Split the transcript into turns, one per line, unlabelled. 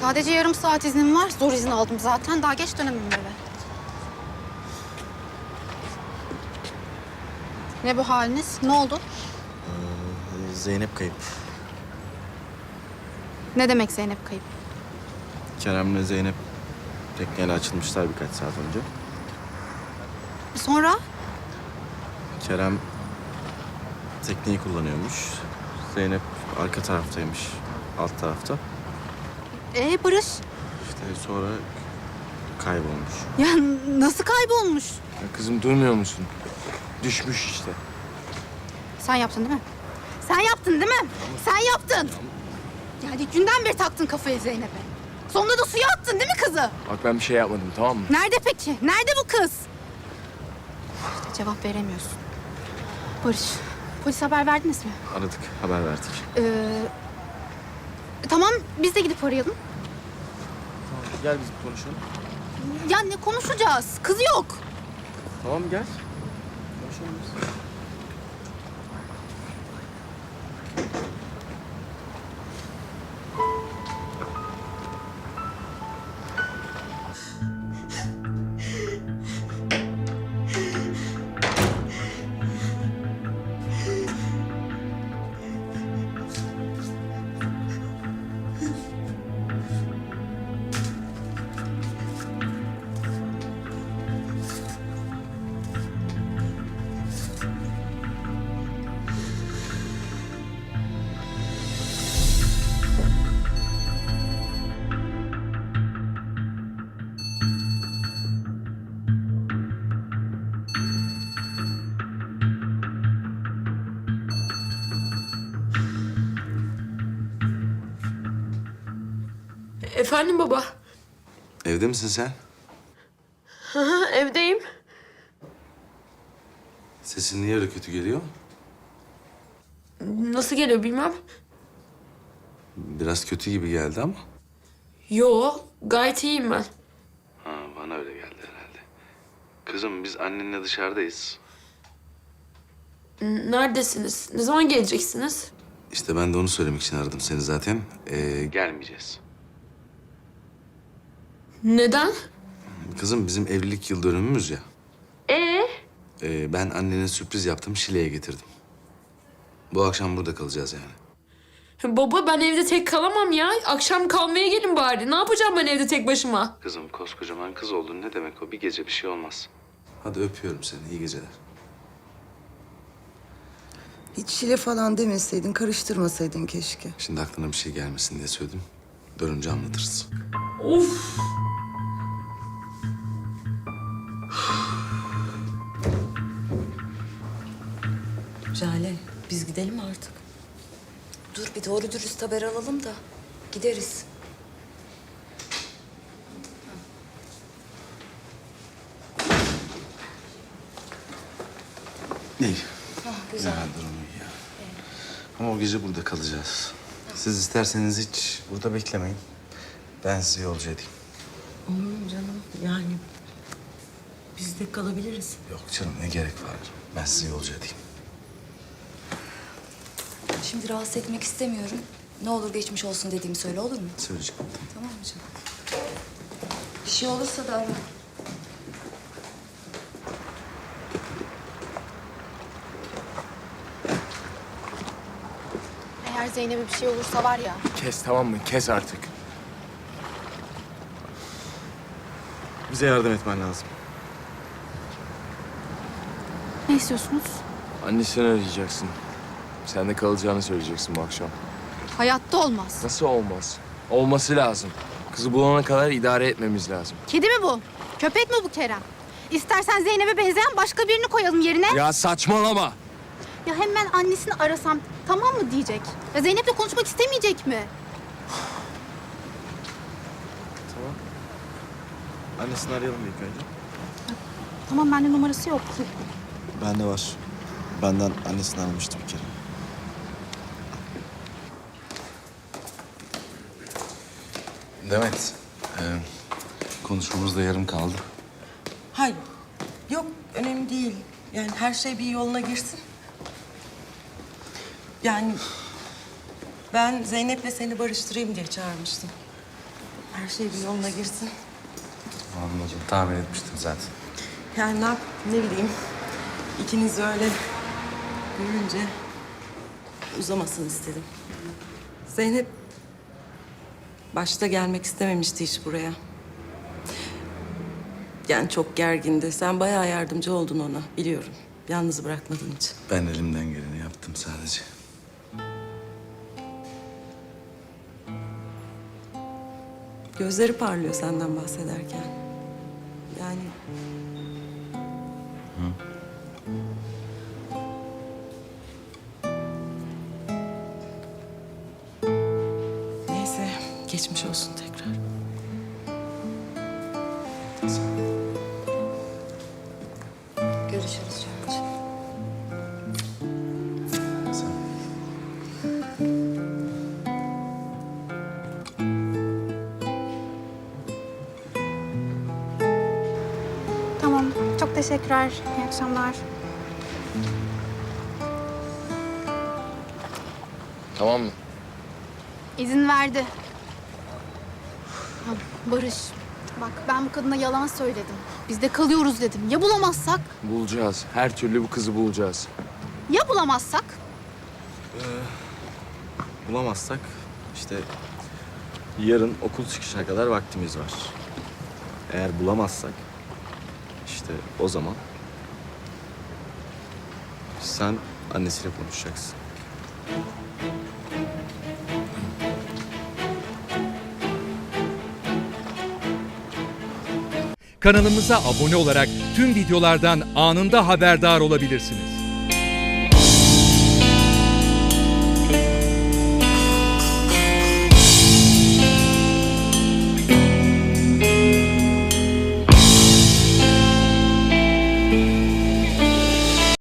Sadece yarım saat iznim var. Zor izin aldım zaten. Daha geç dönemem eve. Ne bu haliniz? Ne oldu?
Zeynep kayıp.
Ne demek Zeynep kayıp?
Kerem'le Zeynep tekneyle açılmışlar birkaç saat önce.
Sonra?
Kerem tekneyi kullanıyormuş. Zeynep arka taraftaymış, alt tarafta.
Barış?
İşte sonra kaybolmuş.
Ya nasıl kaybolmuş?
Ya kızım duymuyor musun? Düşmüş işte.
Sen yaptın değil mi? Sen yaptın değil mi? Sen yaptın. Yani ilk günden beri taktın kafayı Zeynep'e. Sonunda da suya attın değil mi kızı?
Bak ben bir şey yapmadım, tamam mı?
Nerede peki? Nerede bu kız? İşte cevap veremiyorsun. Barış, polis haber verdiniz mi?
Aradık, haber verdik.
Tamam, biz de gidip arayalım.
Tamam, gel biz konuşalım.
Ya ne konuşacağız? Kız yok.
Tamam gel. Konuşalım biz.
Efendim baba.
Evde misin sen?
Hı hı, evdeyim.
Sesin niye öyle kötü geliyor?
Nasıl geliyor bilmem.
Biraz kötü gibi geldi ama.
Yo, gayet iyiyim ben.
Ha, bana öyle geldi herhalde. Kızım biz annenle dışarıdayız.
Neredesiniz? Ne zaman geleceksiniz?
İşte ben de onu söylemek için aradım seni zaten. Gelmeyeceğiz.
Neden?
Kızım bizim evlilik yıl dönümümüz ya.
Ee?
Ben annene sürpriz yaptım, Şile'ye getirdim. Bu akşam burada kalacağız yani.
Baba ben evde tek kalamam ya. Akşam kalmaya gelin bari. Ne yapacağım ben evde tek başıma?
Kızım koskocaman kız oldun, ne demek o? Bir gece bir şey olmaz. Hadi öpüyorum seni, iyi geceler.
Hiç Şile falan demeseydin, karıştırmasaydın keşke.
Şimdi aklına bir şey gelmesin diye söyledim. Dönünce anlatırız.
Of.
Jale, biz gidelim artık. Dur bir doğru dürüst haber alalım da gideriz.
İyi.
Güzel.
Ya durum iyi ya. Ama o gece burada kalacağız. Siz isterseniz hiç burada beklemeyin. Ben sizi yolcu edeyim.
Olur mu canım? Yani biz de kalabiliriz.
Yok canım, ne gerek var? Ben sizi yolcu edeyim.
Şimdi rahatsız etmek istemiyorum. Ne olur geçmiş olsun dediğimi söyle, olur mu?
Söyleyeceğim.
Tamam mı canım? Bir şey olursa da ara.
Eğer Zeynep'e bir şey olursa var ya.
Kes tamam mı? Kes artık.
Bize yardım etmen lazım.
Ne istiyorsunuz?
Annesini arayacaksın. Sen de kalacağını söyleyeceksin bu akşam.
Hayatta olmaz.
Nasıl olmaz? Olması lazım. Kızı bulana kadar idare etmemiz lazım.
Kedi mi bu? Köpek mi bu Kerem? İstersen Zeynep'e benzeyen başka birini koyalım yerine.
Ya saçmalama.
Ya hem ben annesini arasam tamam mı diyecek? Ya Zeynep'le konuşmak istemeyecek mi?
Tamam. Annesini arayalım ilk önce.
Tamam bende numarası yok.
Bende var. Benden annesini aramıştı bir kere. Demet, konuşmamız da yarım kaldı.
Hayır. Yok, önemli değil. Yani her şey bir yoluna girsin. Yani ben Zeynep'le seni barıştırayım diye çağırmıştım. her şey bir yoluna girsin.
Anladım. Tahmin etmiştim zaten.
Yani ne bileyim. İkiniz öyle görünce uzamasın istedim. Zeynep başta gelmek istememişti hiç buraya. Yani çok gergindi. Sen bayağı yardımcı oldun ona, biliyorum. Yalnız bırakmadın hiç.
Ben elimden geleni yaptım sadece.
Gözleri parlıyor senden bahsederken. Yani... Neyse, geçmiş olsun tekrar.
Görüşürüz Cancığım.
Sen...
Tamam. Çok teşekkürler. İyi akşamlar.
Tamam mı?
İzin verdi. Ya Barış, bak ben bu kadına yalan söyledim. Biz de kalıyoruz dedim. Ya bulamazsak?
Bulacağız. Her türlü bu kızı bulacağız.
Ya bulamazsak?
Bulamazsak işte yarın okul çıkışına kadar vaktimiz var. Eğer bulamazsak işte o zaman sen annesiyle konuşacaksın.
Kanalımıza abone olarak tüm videolardan anında haberdar olabilirsiniz.